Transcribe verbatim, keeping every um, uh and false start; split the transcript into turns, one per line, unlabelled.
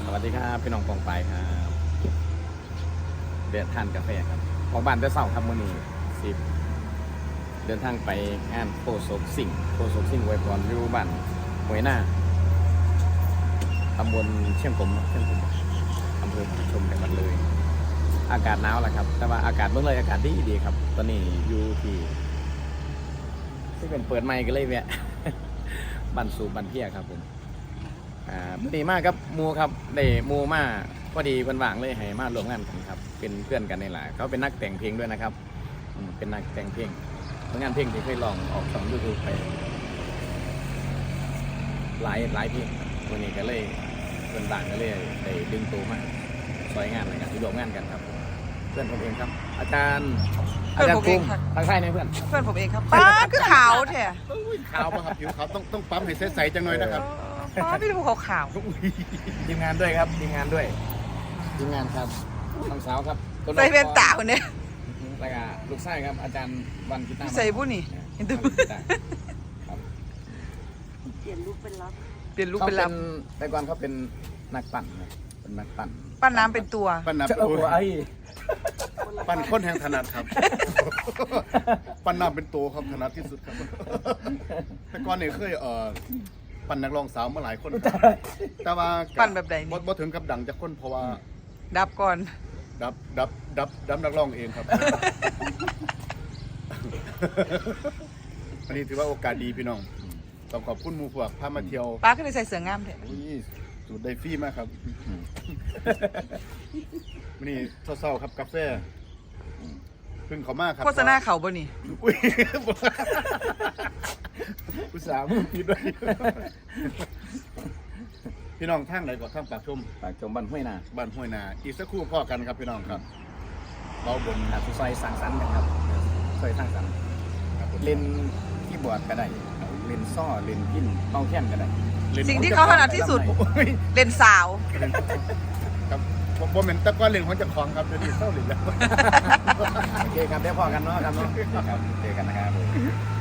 วัสดีครับพี่น้องกองไปครับเดินทานกาแฟครับของบ้านจะเศร้าครับมื้อนี้สิบเดินทางไปงานโคศกสิ่งโคศกสิ่งไว้พรอยู่บ้านหวยหน้าตำบลเชียงกลมเชียงกลมอำเภอพระชมจังหวัดเลย อากาศหนาวแหละครับแต่ว่าอากาศเมื่อไรอากาศดีดีครับตอนนี้อยู่ที่ที่เป็นเปิดไมค์กันเลยแวะ บันสูบบันเพียครับผมอ่าดีมากครับมูครับได้มูมาพอดีเพิ่นว่างเลยให้มาร่วมงานกันครับเป็นเพื่อนกันนี่แหละเขาเป็นนักแต่งเพลงด้วยนะครับอืมเป็นนักแต่งเพลงผลงานเพลงที่เคยลองออกช่องยูทูบไปหลายหลายเพลงครับวันนี้ก็เลยเพิ่นว่างก็เลยได้ดึงตัวมาซอยงานอะไรกันที่ร่วมงานกันครับเพื่อนผมเองครับ อาจารย์อาจารย์ภูมิทางค่ายไหนเพื่อน
เพื่อนผมเองครับป้าคือขาวแท้
ขาวป่ะครับผิวขาวต้องต้องปั๊มให้ใสๆจังหน่อยนะครับ
ป้าพี่ดูขาวขาว
ทีมงานด้วยครับทีมงานด้วยทีมงานครับน้องสาวครับ
ใส่เป็นตาคนเนี้ย
แล้วก็ลูกชายครับอาจารย์วันกีตาร์
ใส่บุ้นี่เห็นดู
ครับ
เปลี่ยนรูปเป็นลับ
เขาเป็นแต่ก่อนเขาเป็นนักปั่นครับเป็นนักปั่น
ปั้นน้ำเป็นตัว
ปั้นน้ำ
เจ้า
โอ้
หัวย ไอ้
ปั้นค้นแห่งถนัดครับ ปั้นน้ำเป็นตัวครับถนัดที่สุดครับ แต่ก่อนเนี่ยเคยเอ่อปั้นนักร้องสาวมาหลายคนครับแต่ว่า
ปั้นแบบใดนี่
บ่ถึงกับดังจากคนเพราะว่า
ดับก่อน
ดับดับดับดับนักร้องเองครับ อันนี้ถือว่าโอกาสดีพี่น้องต้องขอบคุณหมู่พวกพามาเที่ยว
ป้าก็เลยใส่เสื้องามแท้
อุ้ยสูตรไดฟรี่มากครับวันนี้เศร้าๆครับกาแฟเพิ่งเขามากครับ
โฆษณาเขาบ่นี่
อุ้ยอุตส่าห์มือผิดด้วยพี่น้องทางไหนก่อนทางปากชม
ปากจมบันห้วยนา
บ้านห้วยนาอีกสักครู่พ่อกันครับพี่น้องครับเบาบน
อาสุซอยสั่งสรรค์กันครับซอยสร้างสรรค์
ครับผม
เล่นที่บอร์ดก็ได้เล่นซ้อเล่นพินเป้าแค้นก็ได้
สิ่งที่เขาถนัดที่สุด
โอ้ย
เล่นสาว
ครับผมผมเป็นตะก้อนเล่นของเจ้าของครับเดี๋ยวนี้เศร้าหลินแล้ว
โอเคครับเดี๋ยวพอกันเนาะครับเนาะครับเจอกันนะครับ